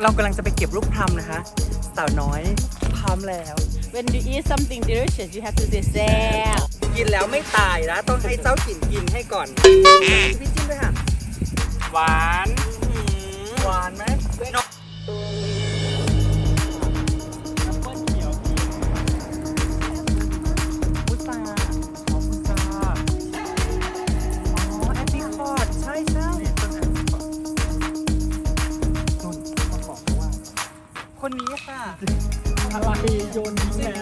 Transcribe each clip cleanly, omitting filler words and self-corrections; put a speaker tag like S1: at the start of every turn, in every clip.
S1: เรากำลังจะไปเก็บลูกพลัมนะคะสาวน้อยพร้อมแล้ว
S2: When you eat something delicious, you have to say "Sam."
S1: กินแล้วไม่ตายนะต้องให้เจ้าถิ่นกินให้ก่อนพี่จิ้มด้วยค่ะ
S3: หวาน
S1: หวานไหมนกพุทราอ๋อพุทราอ๋อแอปริคอตใช่ใช่ต้นแอปริคอตต้นเขาบอกว่าคนนี้ค่ะ
S3: อะไรโยนทิ้งแล้ว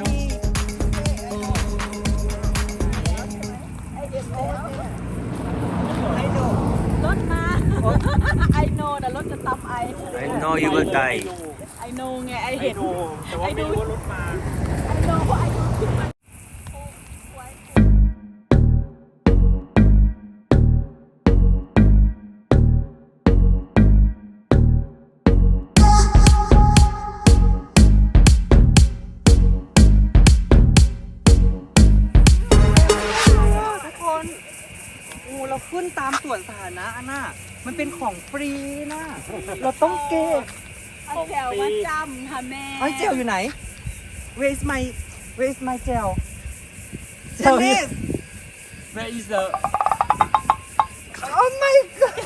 S2: รถมา I know นะรถจะตำไอ
S4: I know you will die.
S2: I know ไง I
S3: ไอ้
S2: เห็น
S3: ดูแต่ว่าไม่รู้ว่ารถมา
S2: I know เพราะ I know ขึ้นมา
S1: ทุกคนโอ้เราขึ้นตามสวนสาธารณะอันน่ะมันเป็นของฟรีนะเราต้องเก็บ
S2: เอาแจวมาจำค่ะแม่
S1: เอ้ยเจลอยู่ไหน Where's my gel
S3: Gel
S1: Dennis
S3: here. Where is the
S1: Oh my god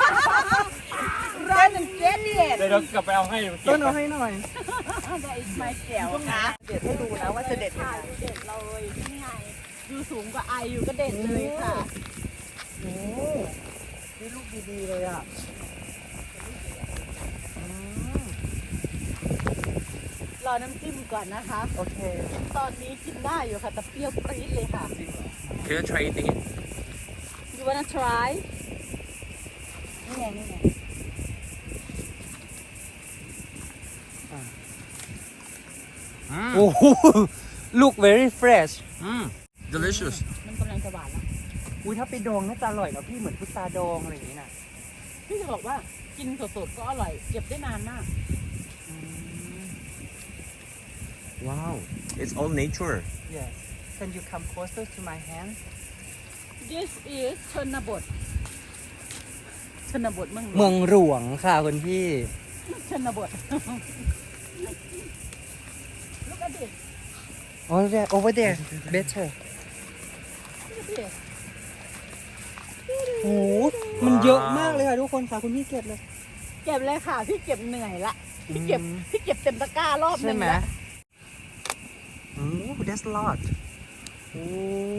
S2: Run and get it
S3: เดี๋ยวเรากลับไปเอาให้เก็บ
S1: ต้นเอาให้หน่อย
S2: That is my แจวนะ
S1: เด็ดให้ดูนะว่าจะเด็ดยัง
S2: ค่ะ
S1: ไง
S2: เด็ดเลยนี่ไงอยู่สูงกว่าไออยู่ก็เด็ดเลยค่ะ
S1: โอ้นี่ลูกดีๆเลยอ่ะอืม
S2: รอน้ำจิ้มก่อนนะคะ
S1: โอเค
S2: ตอนนี้กินได้อยู่ค่ะแต่เปรี้ยวปรี๊ดเลยค่ะ
S4: Can you try eating it?
S2: You wanna try นี่ไงนี่ไง
S1: โอ้โห look very fresh
S4: Delicious.
S2: มันกำลังจะหวานแล้ว
S1: อุ้ยถ้าไปดองน่าจะอร่อยนะพี่เหมือนพุทราดองอะไรอย่างนี้นะ
S2: พี่จะบอกว่ากินสดๆก็อร่อย เก็บได้นานมาก
S4: Wow. It's all nature.
S1: Yes Can you come closer to my hand
S2: This is ชนบทชนบทเมืองหล
S1: เมื
S2: ว
S1: อง งหลวงค่ะคุณพี่
S2: ชนบท Look at this
S1: over there better
S2: Look at this
S1: โอ้โหมันเยอะมากเลยค่ะทุกคนค่ะคุณพี่เก็บเลย
S2: เก็บเลยค่ะ พี่เก็บเหนื่อยละ พี่เก็บเต็มตะกร้ารอบหนึ
S1: ใช่
S2: ง
S1: ไหม
S2: ละ
S1: โอ้ that's a lot โอ้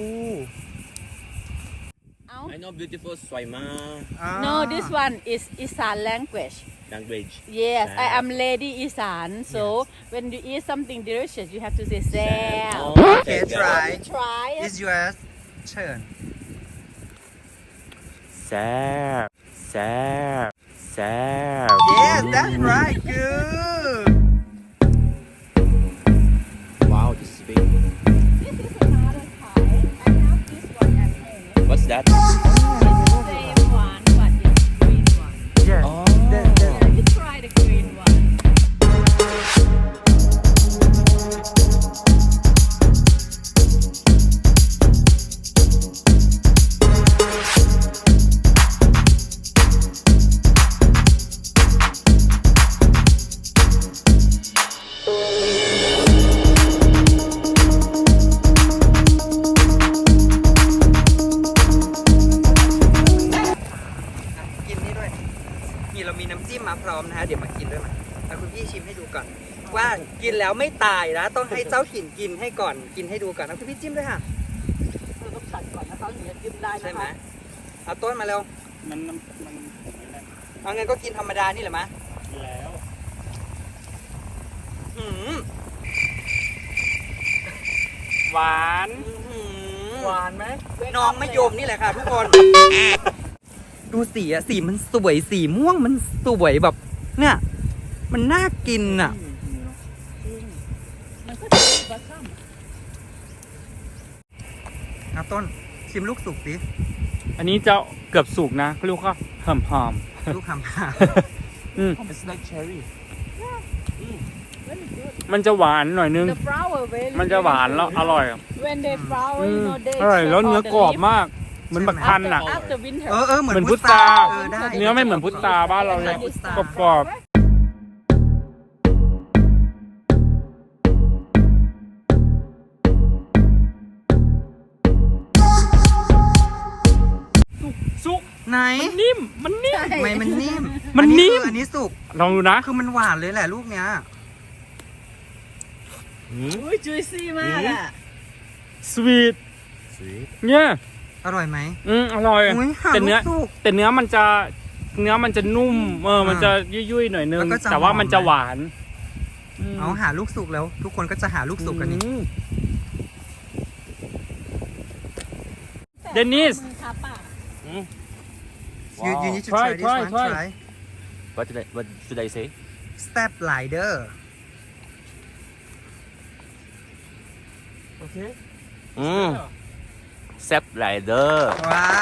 S2: เอ้า
S4: I know beautiful Swaima
S2: No this one is Isan language
S4: language.
S2: Yes I
S4: Sam.
S2: am lady Isan so when you eat something delicious you have to say Sam
S4: Oh,
S1: Okay,
S4: that
S1: try.
S4: one.
S2: Try it
S1: It's your turn
S4: Sap. Sap. Sap.
S1: Yes that's right good
S4: Wow, this is big.
S2: This is another type I have this one at home
S4: What's that?
S2: Same one but it's green one
S1: Yes
S4: Oh.
S2: Yeah, you try the green one
S1: กินนี่ด้วยนี่เรามีน้ำจิ้มมาพร้อมนะฮะเดี๋ยวมากินด้วยมาเอาคุณพี่ชิมให้ดูก่อน ว่ากินแล้วไม่ตายนะต้องให้เจ้าถิ่นกินให้ก่อนกินให้ดูก่อนเอาคุณพี่จิ้มด้วยค่ะ
S2: เราต้องตัดก่อนนะคะถึงจะจิ้มได้นะคะ
S1: ใช่ไหมเอาต้นมาเร็ว
S3: มันไม่ได้
S1: เอางั้นก็กินธรรมดานี่แหละมะ
S3: แล้ว
S1: หืม
S3: หวาน
S1: หวานไหมน้องมะยมนี่แหละค่ะทุกคน ดูสีอะสีมันสวยสีม่วงมันสวยแบบเนี่ยมันน่ากินอะ
S2: มันก็จะมีบัตซัม
S1: เอาต้นชิมลูกสุกสิ
S3: อันนี้จะเกือบสุกนะเขาเรียกว่าหอม
S1: ลูกคำค่ะ
S3: ๆอืม
S4: It's like cherry.
S2: very good
S3: มันจะหวานหน่อยนึง
S2: the flower very
S3: มันจะหวานแล้วอร่อย
S2: when they flower
S3: อื
S2: you
S3: ม
S2: know they
S3: อร่อยแล้วเนื้อกรอบมาก เหมือนบักทันอ่ะ
S2: after winter
S1: เหมือน
S3: เหมือนพุทรา
S1: ได้
S3: เนื้อไม่เหมือนพุทราบ้านเราเลย
S1: พุทรา
S3: กรอบ
S1: ไหน
S3: นิ่ม มันนิ่ม
S2: ใช่
S1: ทำไมมันนิ่ม
S3: มันนิ่ม
S1: อันนี้สุก
S3: ลองดูนะ
S1: คือมันหวานเลยแหละลูกเนี้ย
S2: อุ้ยจุยซี่มากอ่ะ
S3: สวีท
S4: Sweet.
S3: เนี่ย
S1: อร่อยไหม
S3: อร่อย
S1: อุ้ยหา
S3: แต่
S1: ลู
S3: เนื้อก
S1: สุก
S3: แต่เนื้อมันจะนุ่ม มันจะยุ่ยๆหน่อยนึง
S1: แล้วก็จะ
S3: แต่ว่า
S1: หอม
S3: มันจะหวาน
S1: เอาหาลูกสุกแล้ว ทุกคนก็จะหาลูกสุกกันนี่
S3: เดนิส
S2: มือคาปาก
S1: you need to
S3: Try,
S1: try this
S3: try,
S1: one
S3: try.
S1: try
S4: What should I say?
S1: step ladder
S3: โอเค
S4: Step ladder.
S1: ว้าว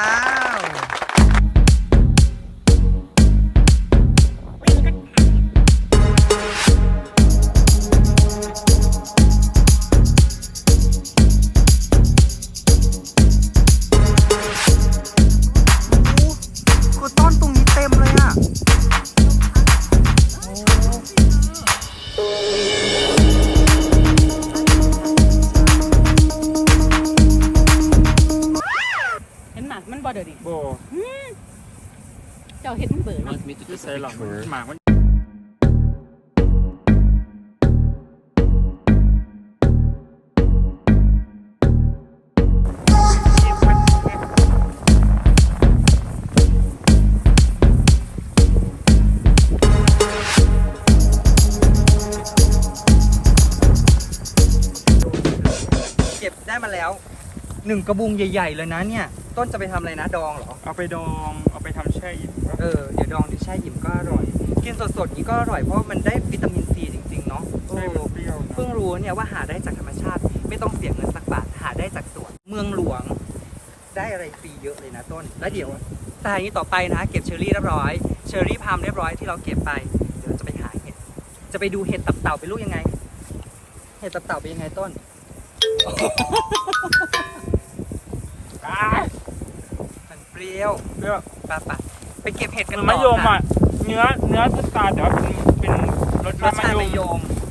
S1: คือต้นตรงนี้เต็มเลยอ่ะ
S2: เห็นหมากมันบ่เดี๋ยวดิ
S3: โบ
S2: เจ้าเห็นมันเบื่อนะ
S4: Want me to
S3: ที่
S4: take
S3: ใส่
S4: a
S3: หลัง
S4: picture?
S3: หมากมัน
S1: เก็บได้มาแล้วหนึ่งกระบุงใหญ่ๆเลยนะเนี่ย ต้นจะไปทำอะไรนะดองเหรอ
S3: เอาไปดอง เอาไปทำแช่อิ่ม
S1: เดี๋ยวดองดิแช่อิ่มก็อร่อย กินสดๆนี้ก็อร่อยเพราะมันได้วิตามินซีจริงๆเนาะ
S3: ใช่มันเปรี้ยวนะ
S1: เพิ่งรู้เนี่ยว่าหาได้จากธรรมชาติ ไม่ต้องเสียเงินสักบาทหาได้จากสวนเมืองหลวง ได้อะไรฟรีเยอะเลยนะต้น แล้วเดี๋ยวแต่อย่างนี้ต่อไปนะเก็บเชอร์รี่เรียบร้อยเชอร์รี่พามเรียบร้อยที่เราเก็บไปเดี๋ยวเราจะไปหาเห็ดจะไปดูเห็ดตับเต่าเป็นลูกยังไง เห็ดตับเต่าเป็นยังไงต้น มันเปรี้ยว
S3: เปรี้ยว
S1: ปะไปเก็บเห็ดกันต่อ
S3: มะยม
S1: ค่ะ
S3: อ่ะ เนื้อพุทราแต่ว่าเป็นรส
S1: รสชาติ
S3: มะ
S1: มะ
S3: ย
S1: ย
S3: ม
S1: ม